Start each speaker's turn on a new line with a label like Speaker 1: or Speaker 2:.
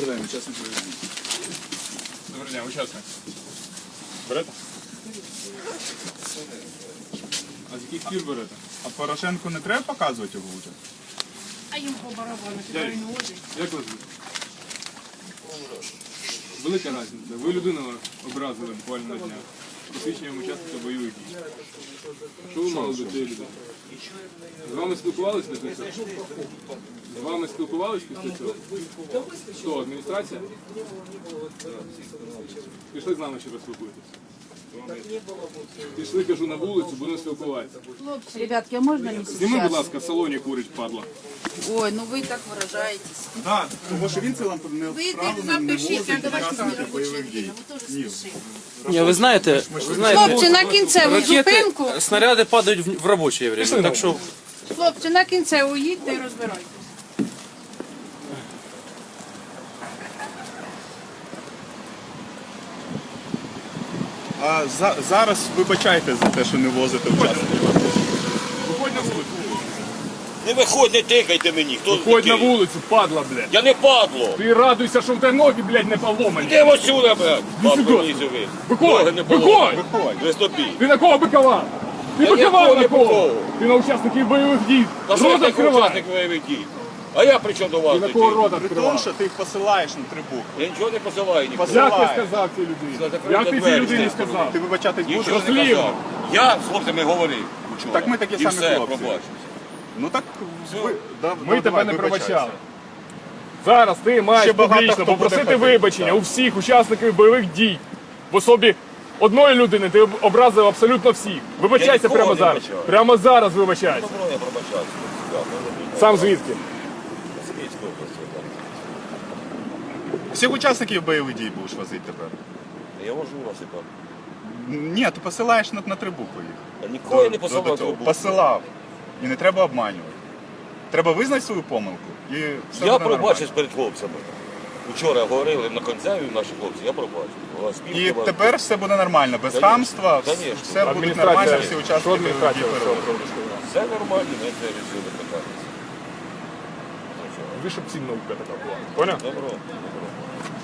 Speaker 1: день, учасник бойових дій.
Speaker 2: Добрий день, учасник. Берете? А з яких пір берете? А Порошенку не треба показувати його вже?
Speaker 3: А їм по барабану, куди він возить.
Speaker 2: Як вас звуть? Велика різниця. Ви людину образили буквально на днях. Посвідченням учасника бойових дій. Що ви мали до цієї людини? З вами спілкувалися після цього? З вами спілкувалися після цього? Хто, адміністрація? Пішли з нами ще розспілкуйтесь. Пішли, кажу, на вулицю, будемо спілкуватися.
Speaker 4: Ребятки, а можно не
Speaker 2: Зніми, будь
Speaker 4: сейчас?
Speaker 2: ласка, в салоні курить, падла.
Speaker 4: Ой, ну вы так выражаетесь.
Speaker 1: Так, тому що він цілим не
Speaker 3: Ви їх
Speaker 1: вправлений, не
Speaker 3: запишіть,
Speaker 1: возить
Speaker 3: як ваші
Speaker 1: учасника
Speaker 3: робочі
Speaker 1: бойових дій.
Speaker 3: дні. Ви теж спішите.
Speaker 5: Не, вы знаете,
Speaker 3: Хлопці, на кінцеву зупинку.
Speaker 5: снаряды падают в рабочее время, так что
Speaker 3: Хлопці, на кінцеву їдьте і розбирайтесь.
Speaker 1: А зараз вибачайте за те, що не возите учасників.
Speaker 2: Виходь на вулицю.
Speaker 6: Не виходь, не тикайте мені. Хто
Speaker 2: Виходь на
Speaker 6: такий?
Speaker 2: вулицю, падла, блядь.
Speaker 6: Я не падло.
Speaker 2: Ти радуйся, що в тебе ноги, блядь, не поломані.
Speaker 6: Де ось сюди, блядь?
Speaker 2: сюди.
Speaker 6: Падло мені живи.
Speaker 2: Виходь,
Speaker 6: Ноги не
Speaker 2: виходь.
Speaker 6: поломані. Ви стопі.
Speaker 2: Ти на кого бикова? Ти
Speaker 6: Я
Speaker 2: бикова
Speaker 6: нікого
Speaker 2: на
Speaker 6: не
Speaker 2: кого?
Speaker 6: биковав.
Speaker 2: Ти на учасників бойових дій.
Speaker 6: Та що я
Speaker 2: Рот
Speaker 6: такий
Speaker 2: відкривай.
Speaker 6: учасник бойових дій? А я при чому до вас?
Speaker 2: Ти на
Speaker 6: такий?
Speaker 2: кого рот
Speaker 1: При тому,
Speaker 2: відкривай?
Speaker 1: що ти їх посилаєш на три букви.
Speaker 6: Я нічого не посилаю нікого.
Speaker 2: Як ти сказав цій людині?
Speaker 6: Закрийте
Speaker 2: Як ти цій
Speaker 6: двері,
Speaker 2: людині
Speaker 6: чесно.
Speaker 2: сказав?
Speaker 1: Ти вибачатись будеш?
Speaker 6: Нічого не
Speaker 2: Дослівно.
Speaker 6: казав. Я з хлопцями говорив вчора.
Speaker 1: Так ми такі
Speaker 6: І
Speaker 1: самі
Speaker 6: все,
Speaker 1: хлопці.
Speaker 6: пробачу.
Speaker 1: Ну так
Speaker 2: Ми тебе не
Speaker 1: пробачали.
Speaker 2: пробачали. Зараз ти маєш
Speaker 1: Ще багато
Speaker 2: публічно
Speaker 1: хто буде
Speaker 2: попросити
Speaker 1: ходити,
Speaker 2: вибачення
Speaker 1: так.
Speaker 2: у всіх учасників бойових дій. В особі одної людини ти образив абсолютно всіх. Вибачайся
Speaker 6: нікого
Speaker 2: прямо
Speaker 6: не
Speaker 2: зараз.
Speaker 6: вибачаю.
Speaker 2: Прямо зараз вибачайся.
Speaker 6: Добро, я пробачаю.
Speaker 2: Сам звідки?
Speaker 1: Всіх учасників бойових дій будеш возити тепер.
Speaker 6: Я вожу вас і так.
Speaker 1: Ні, ти посилаєш на три букви їх.
Speaker 6: Я нікого не
Speaker 1: До
Speaker 6: посилав.
Speaker 1: цього.
Speaker 6: трубу.
Speaker 1: Посилав. І не треба обманювати. Треба визнати свою помилку. І все
Speaker 6: Я
Speaker 1: буде
Speaker 6: пробачив
Speaker 1: нормально.
Speaker 6: перед хлопцями. Вчора говорили на концеві наші хлопці, я пробачив. У вас
Speaker 1: І
Speaker 6: спілки, у вас-
Speaker 1: тепер все буде нормально, без
Speaker 6: Конечно,
Speaker 1: хамства,
Speaker 6: конечно.
Speaker 1: все буде нормально, всі
Speaker 2: Що
Speaker 1: учасники бойових дій
Speaker 2: адміністрація
Speaker 1: переводять.
Speaker 6: Все нормально, не це рішили питання.
Speaker 2: Ви щоб ці наука така була. Поняв?
Speaker 6: Добро, добро.